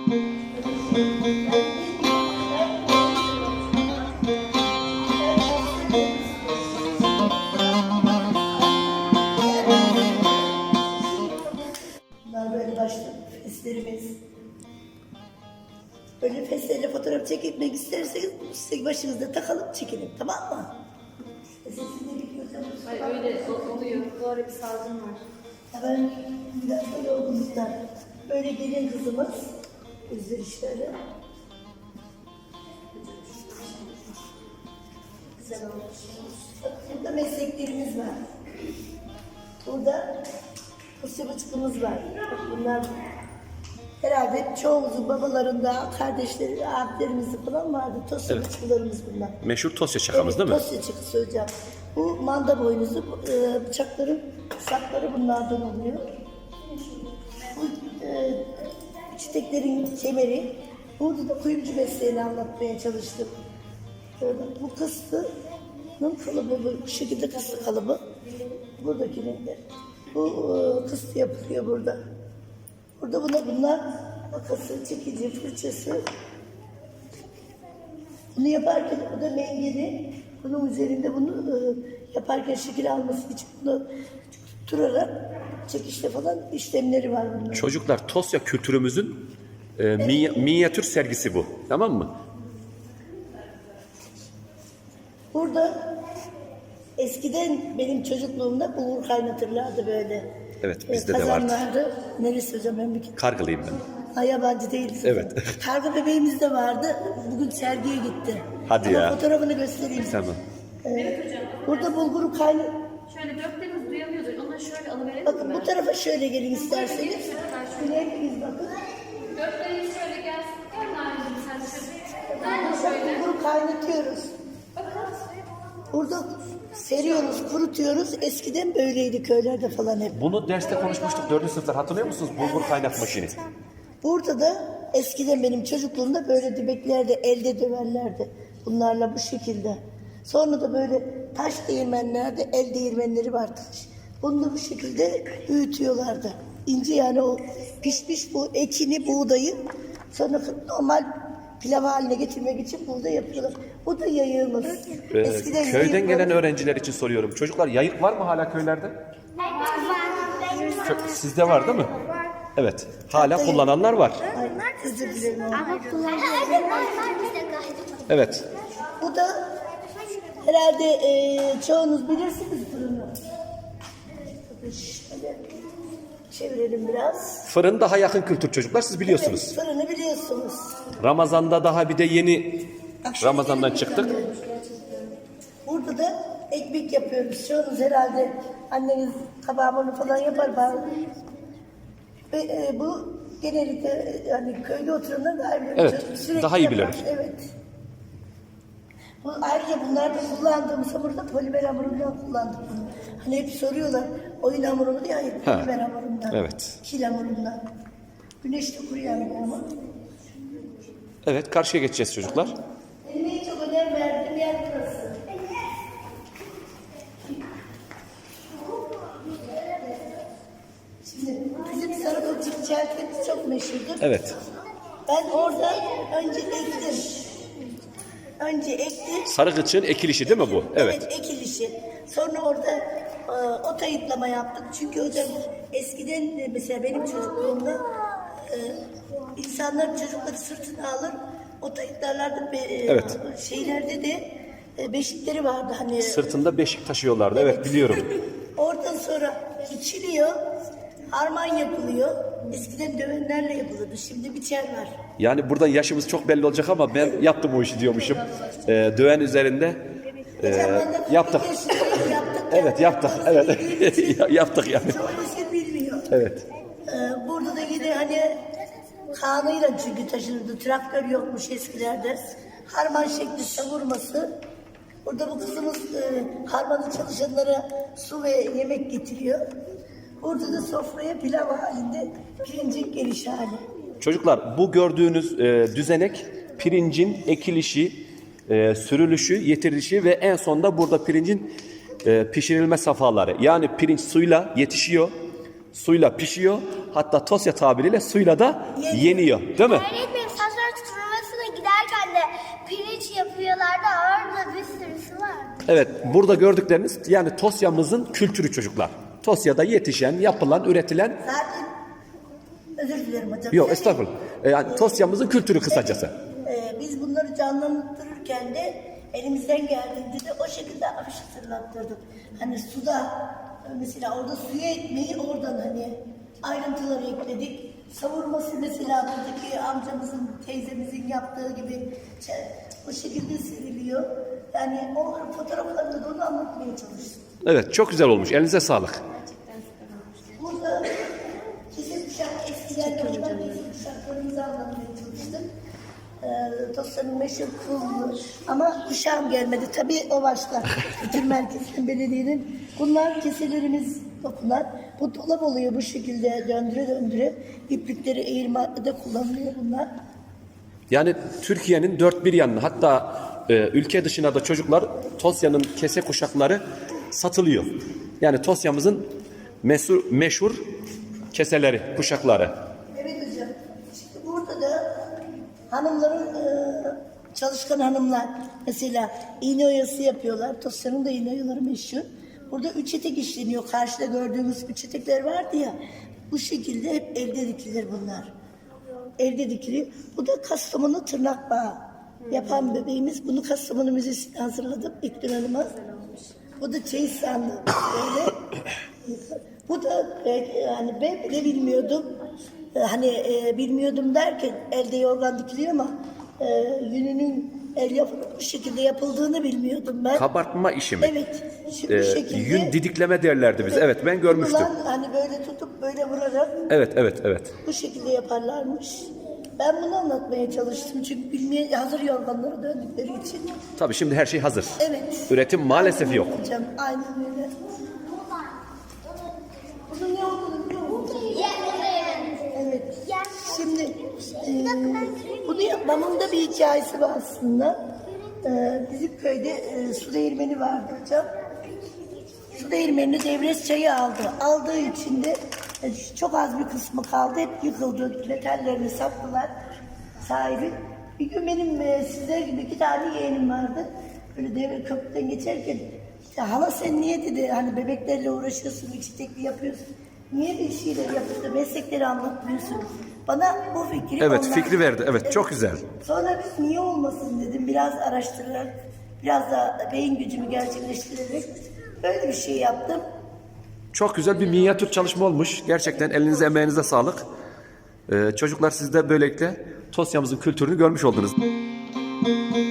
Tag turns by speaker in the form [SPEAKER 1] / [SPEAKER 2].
[SPEAKER 1] Bunlar böyle başlı feslerimiz. Böyle feslerle fotoğraf çekmek isterseniz size başınızda takalım çekelim, tamam mı? Sesini biliyorsanız.
[SPEAKER 2] Ay öyle oluyor. Bu ara bir salgın var.
[SPEAKER 1] Ben biraz böyle olgunluklar. Böyle gelin kızımız. Üzülüşleri. Güzel olmuş. Burada mesleklerimiz var. Burada fıstıkçımız var. Bunlar herhalde çoğumuzun babalarında, kardeşleri, abilerimizde falan vardı. Tosyaçılarımız bunlar.
[SPEAKER 3] Meşhur Tosya çakamız değil mi?
[SPEAKER 1] Tosya çakısı hocam. Bu manda boynuzu, bıçakların sapları bunlardan oluyor. Bu çiçeklerin kemeri. Burada da kuyumcu mesleğini anlatmaya çalıştım. Bu kıstının kalıbı, bu şekilde kıstı kalıbı. Buradakinin de. Bu kıstı yapılıyor burada. Burada bunlar makası, çekici, fırçası. Bunu yaparken bu da mengeni. Bunun üzerinde bunu yaparken şekil alması için bunu tutturarak çekişte falan işlemleri var bunların.
[SPEAKER 3] Çocuklar, Tosya kültürümüzün minyatür sergisi bu. Tamam mı?
[SPEAKER 1] Burada eskiden benim çocukluğumda bulgur kaynatırlardı böyle.
[SPEAKER 3] Evet, bizde de vardı.
[SPEAKER 1] Kazanlardı. Neresi hocam? Ben bir
[SPEAKER 3] Kargılıyım ben.
[SPEAKER 1] Ha, yabancı değiliz.
[SPEAKER 3] Evet.
[SPEAKER 1] Karga bebeğimiz de vardı. Bugün sergiye gitti.
[SPEAKER 3] Hadi
[SPEAKER 1] ama
[SPEAKER 3] ya.
[SPEAKER 1] fotoğrafını göstereyim.
[SPEAKER 3] Tamam.
[SPEAKER 1] Burada bulguru kaynağı.
[SPEAKER 2] Şöyle döktüğümüz duyamıyordur. Onları şöyle alıverelim
[SPEAKER 1] Bakın
[SPEAKER 2] mi?
[SPEAKER 1] bu tarafa şöyle gelin isterseniz. Şöyle hepiniz bakın.
[SPEAKER 2] Dörtleri şöyle gelsin. Gel Narin'cim sen şöyle.
[SPEAKER 1] Burada bulguru kaynatıyoruz. Burada seriyoruz, kurutuyoruz. Eskiden böyleydi köylerde falan hep.
[SPEAKER 3] Bunu derste konuşmuştuk 4. sınıflar. Hatırlıyor musunuz? Bulgur kaynatma maşini.
[SPEAKER 1] Burada da eskiden benim çocukluğumda böyle dibeklerde elde döverlerdi. Bunlarla bu şekilde. Sonra da böyle taş değirmenlerde el değirmenleri vardı. Bunu da bu şekilde büyütüyorlardı. İnce yani o pişmiş bu ekini, buğdayı sonra normal pilav haline getirmek için burada yapıyorlar. Bu da yayığımız. Eskiden
[SPEAKER 3] Köyden gelen öğrenciler için soruyorum. Çocuklar, yayık var mı hala köylerde? Sizde var değil mi? Evet. Hala kullananlar var.
[SPEAKER 1] Ay, özür dilerim.
[SPEAKER 3] Evet.
[SPEAKER 1] Bu da herhalde çoğunuz bilirsiniz fırını. Şöyle çevirelim biraz.
[SPEAKER 3] Fırın daha yakın kültür çocuklar. Siz biliyorsunuz.
[SPEAKER 1] Evet, fırını biliyorsunuz.
[SPEAKER 3] Ramazan'da daha bir de yeni Ramazan'dan çıktık.
[SPEAKER 1] Burada da ekmek yapıyoruz. Çoğunuz herhalde anneniz kabağını falan yapar. Ve bu genellikle yani köyde oturanlar daha iyi bilir.
[SPEAKER 3] Evet,
[SPEAKER 1] Sürekli
[SPEAKER 3] daha iyi
[SPEAKER 1] yapar.
[SPEAKER 3] bilir.
[SPEAKER 1] Evet. Bu, ayrıca bunlarda kullandığımız hamurda polimer hamurundan kullandık bunu. Hani hep soruyorlar oyun hamurunu diye, hayır polimer hamurundan.
[SPEAKER 3] Evet.
[SPEAKER 1] Kil hamurundan. Güneşte kuruyan bir hamur.
[SPEAKER 3] Evet, karşıya geçeceğiz çocuklar.
[SPEAKER 1] Benim en çok önem verdiğim yer burası. Şimdi bizim Sarıkılçık çeltemiz çok meşhurdur.
[SPEAKER 3] Evet.
[SPEAKER 1] Ben orada önce ektim.
[SPEAKER 3] Sarı kıçığın ekilişi değil mi bu? Evet.
[SPEAKER 1] Ekilişi. Sonra orada ot ayıtlama yaptık. Çünkü hocam eskiden mesela benim çocukluğumda insanlar çocukları sırtına alır, ot ayıtlarlardı.
[SPEAKER 3] Evet.
[SPEAKER 1] Şeylerde de beşikleri vardı hani.
[SPEAKER 3] Sırtında beşik taşıyorlardı. Evet, biliyorum.
[SPEAKER 1] Oradan sonra biçiliyor, harman yapılıyor. Eskiden dövenlerle yapılırdı. Şimdi biçer var.
[SPEAKER 3] Yani buradan yaşımız çok belli olacak ama ben yaptım o işi diyormuşum. Döven üzerinde yaptık. Evet, yaptık. Evet. Yaptık yani.
[SPEAKER 1] Çoğu nesil bilmiyor.
[SPEAKER 3] Evet.
[SPEAKER 1] Burada da yine hani kanıyla çünkü taşınırdı. Traktör yokmuş eskilerde. Harman şekli savurması. Burada bu kızımız harmanı çalışanlara su ve yemek getiriyor. Burada da sofraya pilav halinde pirincin geliş hali.
[SPEAKER 3] Çocuklar, bu gördüğünüz düzenek pirincin ekilişi, sürülüşü, yetirilişi ve en sonunda burada pirincin pişirilme safhaları. Yani pirinç suyla yetişiyor, suyla pişiyor. Hatta Tosya tabiriyle suyla da yeniyor. Değil mi?
[SPEAKER 4] Öğretmenim saçlar tutulmasına giderken de pirinç yapıyorlardı. Orada bir sürüsü var.
[SPEAKER 3] Evet, burada gördükleriniz yani Tosya'mızın kültürü çocuklar. Tosya'da yetişen, yapılan, üretilen...
[SPEAKER 1] Zaten özür dilerim hocam.
[SPEAKER 3] Yok estağfurullah. Yani Tosya'mızın kültürü kısacası.
[SPEAKER 1] Biz bunları canlandırırken de elimizden geldiğince de o şekilde afiş hatırlattırdık. Hani suda mesela orada suya ekmeği oradan hani ayrıntıları ekledik. Savurması mesela buradaki amcamızın, teyzemizin yaptığı gibi o şekilde seriliyor. Yani o fotoğraflarında da onu anlatmaya çalıştık.
[SPEAKER 3] Evet, çok güzel olmuş. Elinize sağlık.
[SPEAKER 1] Burada kesin kuşak eskiden yapılan kesin kuşaklarımızı anlatmaya çalıştık. Tosya'nın meşhur kıllı ama kuşağım gelmedi. Tabii o başta. Bütün merkezin belediyenin. Bunlar keselerimiz dokunan. Bu dolap oluyor bu şekilde döndüre döndüre. İplikleri eğirmede kullanılıyor bunlar.
[SPEAKER 3] Yani Türkiye'nin dört bir yanına hatta ülke dışına da çocuklar Tosya'nın kese kuşakları satılıyor. Yani Tosya'mızın meşhur keseleri, kuşakları.
[SPEAKER 1] Evet hocam. Şimdi burada da hanımların çalışkan hanımlar mesela iğne oyası yapıyorlar. Tosya'nın da iğne oyaları meşhur. Burada üç etek işleniyor. Karşıda gördüğümüz üç etekler vardı ya. Bu şekilde hep elde dikilir bunlar. Evde dikiliyor. Bu da Kastamonu tırnak bağı yapan bebeğimiz. Bunu Kastamonu Müzesi'ne hazırladım. İlknur Hanım'a. Bu da çeyiz sandığı. Böyle. Bu da yani ben bile bilmiyordum. Hani bilmiyordum derken elde yorgan dikiliyor ama yününün el yapımı bu şekilde yapıldığını bilmiyordum ben.
[SPEAKER 3] Kabartma işi mi?
[SPEAKER 1] Evet. Şimdi bu şekilde.
[SPEAKER 3] Yün didikleme derlerdi biz. Evet, ben görmüştüm.
[SPEAKER 1] Ulan hani böyle tutup böyle vurarak
[SPEAKER 3] Evet.
[SPEAKER 1] bu şekilde yaparlarmış. Ben bunu anlatmaya çalıştım çünkü bilmeye hazır yorganlara döndükleri için.
[SPEAKER 3] Tabii şimdi her şey hazır.
[SPEAKER 1] Evet.
[SPEAKER 3] Üretim maalesef
[SPEAKER 1] Aynen
[SPEAKER 3] yok.
[SPEAKER 1] Hocam, aynen öyle. Bunun ne olduğunu biliyor musun? Evet. Şimdi bunu yapmamın da bir hikayesi var aslında. Bizim köyde su değirmeni vardı hocam. Su değirmenini devlet çayı aldı. Aldığı için de çok az bir kısmı kaldı. Hep yıkıldı. Metallerini sattılar sahibi. Bir gün benim sizler gibi 2 tane yeğenim vardı. Böyle devre köprüden geçerken "Ya hala sen niye" dedi, hani bebeklerle uğraşıyorsun, içtekli yapıyorsun. Niye bir şeyler yapıp da meslekleri anlatmıyorsun? Bana bu fikri
[SPEAKER 3] Evet,
[SPEAKER 1] onlar-
[SPEAKER 3] fikri verdi. Evet, çok güzel.
[SPEAKER 1] Sonra biz niye olmasın dedim. Biraz araştırarak, biraz da beyin gücümü gerçekleştirerek böyle bir şey yaptım.
[SPEAKER 3] Çok güzel bir minyatür çalışma olmuş. Gerçekten elinize emeğinize sağlık. Çocuklar siz de böylelikle Tosya'mızın kültürünü görmüş oldunuz.